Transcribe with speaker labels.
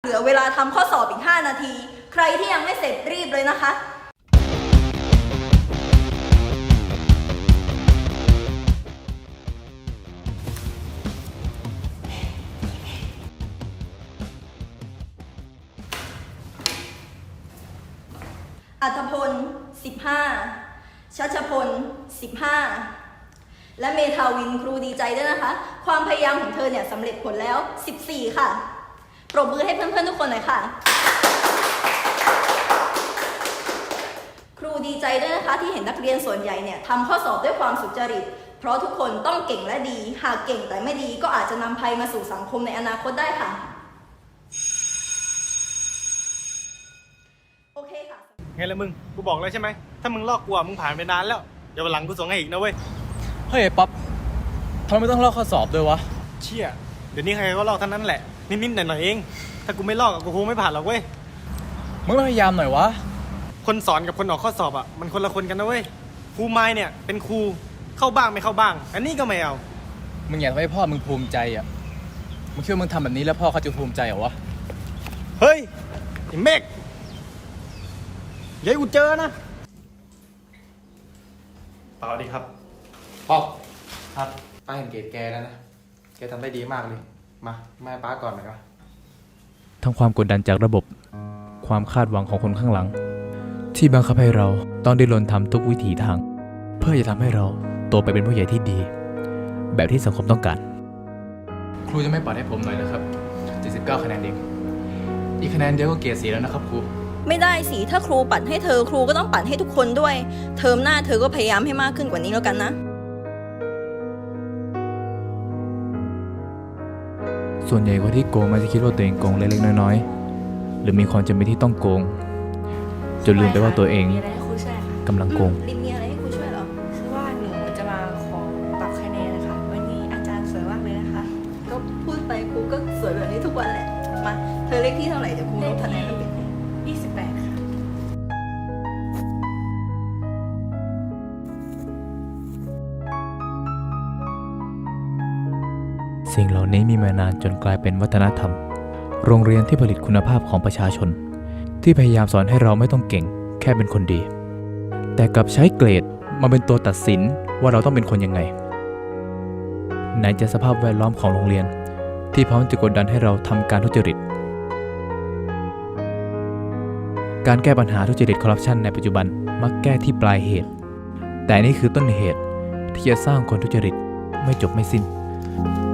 Speaker 1: เหลือเวลาทำข้อสอบอีก5 นาทีใครที่ยังไม่เสร็จรีบเลยนะคะอัธพล15ชัชพล15และเมทาวินครูดีใจด้วยนะคะความพยายามของเธอเนี่ยสำเร็จผลแล้ว14ค่ะปรบมือให้เพื่อนๆทุกคนหน่อยค่ะครูดีใจด้วยนะคะที่เห็นนักเรียนส่วนใหญ่เนี่ยทำข้อสอบด้วยความสุจริตเพราะทุกคนต้องเก่งและดีหากเก่งแต่ไม่ดีก็อาจจะนำภัยมาสู่สังคมในอนาคตได้ค่ะโอเคค่ะ
Speaker 2: ไงล่ะมึงกูบอกแล้วใช่ไหมถ้ามึงลอกกูมึงผ่านไปนานแล้วเดี๋ยววันหลังกูส่งให้อีกนะเว้ย
Speaker 3: เฮ้ยป๊อปทำไมไม่ต้องลอกข้อสอบด้วยวะ
Speaker 2: เชี่ยเดี๋ยวนี้ใครก็ลอกทั้งนั้นแหละนิดๆหน่อยๆเองถ้ากูไม่ลอกกูคงไม่ผ่านหรอกเว้ย
Speaker 3: มึงพยายามหน่อยวะ
Speaker 2: คนสอนกับคนออกข้อสอบมันคนละคนกันนะเว้ยครูไม้เนี่ยเป็นครูเข้าบ้างไม่เข้าบ้างอันนี้ก็ไม่เอา
Speaker 3: มึงอยากให้พ่อมึงภูมิใจมึงคิดว่ามึงทำแบบนี้แล้วพ่อเขาจะภูมิใจเหรอวะ
Speaker 2: เฮ้ยไอ้เมฆอย่าให้กูเจอนะเปล่าดีครับ
Speaker 3: ป๊อป
Speaker 2: ครับ
Speaker 3: ป้าเห็นเกรดแกแล้วนะแกทำได้ดีมากเลยมาให้ป้าก่อนหน่อยวะ
Speaker 4: ทั้งความกดดันจากระบบความคาดหวังของคนข้างหลังที่บังคับให้เราต้องดิ้นรนทำทุกวิถีทางเพื่อจะทำให้เราโตไปเป็นผู้ใหญ่ที่ดีแบบที่สังคมต้องการ
Speaker 3: ครูจะไม่ปัดให้ผมหน่อยนะครับ79คะแนนเองอีกคะแนนเดียวก็เกรด4แล้วนะครับครู
Speaker 1: ไม่ได้สิถ้าครูปัดให้เธอครูก็ต้องปัดให้ทุกคนด้วยเทอมหน้าเธอก็พยายามให้มากขึ้นกว่านี้แล้วกันนะ
Speaker 4: ส่วนใหญ่คนที่โกงมันจะคิดว่าตัวเองโกงเล็กๆน้อยๆหรือมีความจำเป็นที่ต้องโกงจนลืมไปว่าตัวเองกำลังโกง
Speaker 1: ลินมีอะไรให้ครูช่วยเหรอ
Speaker 5: คือว่าหนูจะมาขอปรับคะแนนนะคะวันนี้อาจารย์สวยมากเลยนะคะ
Speaker 1: ก็พูดไปครูก็สวยแบบนี้ทุกวันแหละมาเธอเลขที่เท่าไหร่เดี๋ยวครูลดคะแนนให้เป็น
Speaker 5: 28ค่ะ
Speaker 4: สิ่งเหล่านี้มีมานานจนกลายเป็นวัฒนธรรมโรงเรียนที่ผลิตคุณภาพของประชาชนที่พยายามสอนให้เราไม่ต้องเก่งแค่เป็นคนดีแต่กลับใช้เกรดมาเป็นตัวตัดสินว่าเราต้องเป็นคนยังไงไหนจะสภาพแวดล้อมของโรงเรียนที่พร้อมจะกดดันให้เราทำการทุจริตการแก้ปัญหาทุจริตคอร์รัปชันในปัจจุบันมักแก้ที่ปลายเหตุแต่นี่คือต้นเหตุที่จะสร้างคนทุจริตไม่จบไม่สิ้น